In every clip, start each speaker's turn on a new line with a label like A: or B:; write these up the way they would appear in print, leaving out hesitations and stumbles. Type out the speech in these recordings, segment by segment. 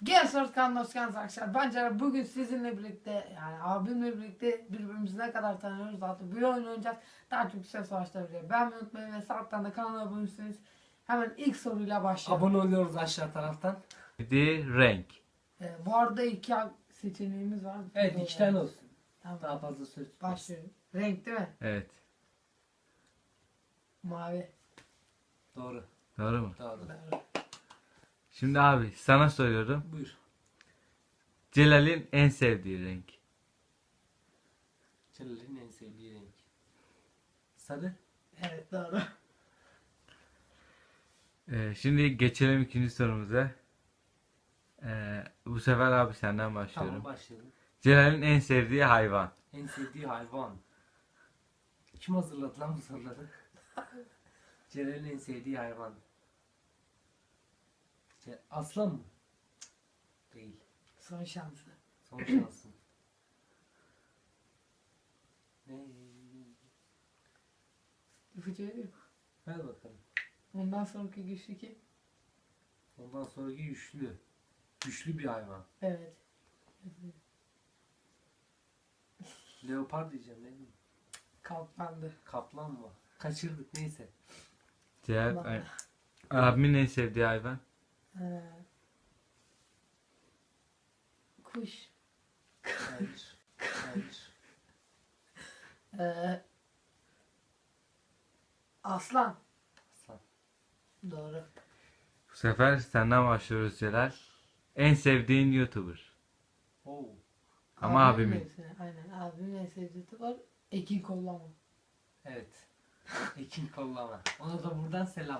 A: Gençler kanalına hoş geldiniz arkadaşlar. Bence bugün sizinle birlikte yani abimle birlikte birbirimizi ne kadar tanıyoruz zaten bir oyun oynayacağız. Daha çok şey savaştıracağız. Ben unutmayın ve sağdan da kanala abone olursanız hemen ilk soruyla başlayalım.
B: Abone oluyoruz aşağı taraftan.
C: Sevdiği renk.
A: Bu arada iki seçeneğimiz var.
B: Evet, iki tane olsun.
A: Tamam.
B: Daha fazla söz tutmaz.
A: Başlıyorum. Renk değil mi?
C: Evet.
A: Mavi.
B: Doğru.
C: Doğru mu?
B: Doğru.
A: Doğru.
C: Şimdi abi sana soruyorum.
B: Buyur.
C: Celal'in en sevdiği renk.
B: Celal'in en sevdiği renk. Sarı.
A: Evet doğru.
C: Şimdi geçelim ikinci sorumuza. Bu sefer abi senden başlıyorum.
B: Tamam, başlayalım.
C: Celal'in en sevdiği hayvan.
B: En sevdiği hayvan. Kim hazırladı lan bu soruları? Celal'in en sevdiği hayvan. Aslan mı? Cık, değil.
A: Son şansı.
B: Son şansın. Ne?
A: İpucu veriyor.
B: Ver bakalım.
A: Ondan sonraki güçlü kim?
B: Ondan sonraki güçlü. Güçlü bir hayvan.
A: Evet.
B: Leopar diyeceğim, ne bileyim.
A: Kaplandı.
B: Kaplan mı? Kaçırdık, neyse.
C: Celal,
A: Bana.
C: abimin en sevdiği hayvan.
A: Ee, kuş.
B: Hayır. Hayır.
A: Ee, aslan.
B: Aslan.
A: Doğru.
C: Bu sefer senden başlıyoruz Celal. En sevdiğin YouTuber.
B: Oo.
C: Ama abimin.
A: Aynen abimin en sevdiği tip var. Ekin kollama.
B: Evet. Ekin kollama. Ona da buradan selam.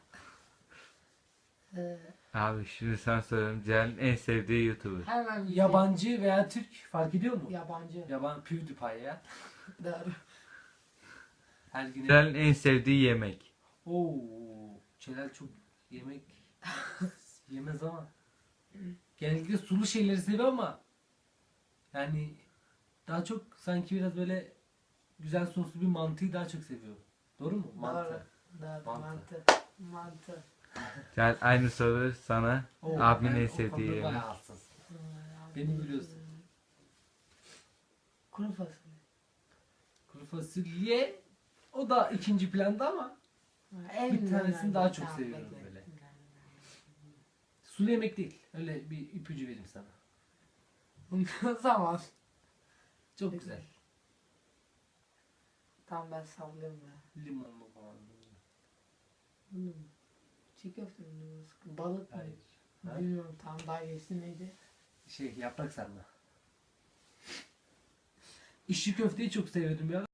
A: Ee,
C: Abi şimdi sana soruyorum. Celal'in en sevdiği YouTuber.
A: hemen bir
B: Yabancı veya Türk fark ediyor mu?
A: şey. Yabancı.
B: Yaban PewDiePie ya.
A: Doğru.
B: Her gün.
C: Celal'in en sevdiği yemek.
B: Oo. Celal çok yemek yemez ama. Genellikle sulu şeyleri seviyor ama yani daha çok sanki biraz böyle güzel soslu bir mantıyı daha çok seviyor. Doğru mu? Mantı.
A: Doğru.
B: Mantı.
A: Mantı. Mantı.
C: Celal aynı soru sana.
B: Oo,
C: Abimin
B: ben
C: en
B: o
C: sevdiği
B: konuda
C: yemek.
B: bayağı hassas. Beni biliyorsun.
A: Kuru fasulye.
B: Kuru fasulye o da ikinci planda ama bir tanesini daha çok seviyorum böyle. Sulu yemek değil. Öyle bir ipucu vereyim sana.
A: O zaman.
B: Çok
A: Peki.
B: güzel.
A: Tam ben sallıyorum ya.
B: Limonlu falan.
A: Hmm. Çiğ köfte mi? Balık mı?
B: Hayır. Ha?
A: Bilmiyorum tam daha iyisi neydi?
B: Yaprak sarma. İşçi köfteyi çok seviyordum ya.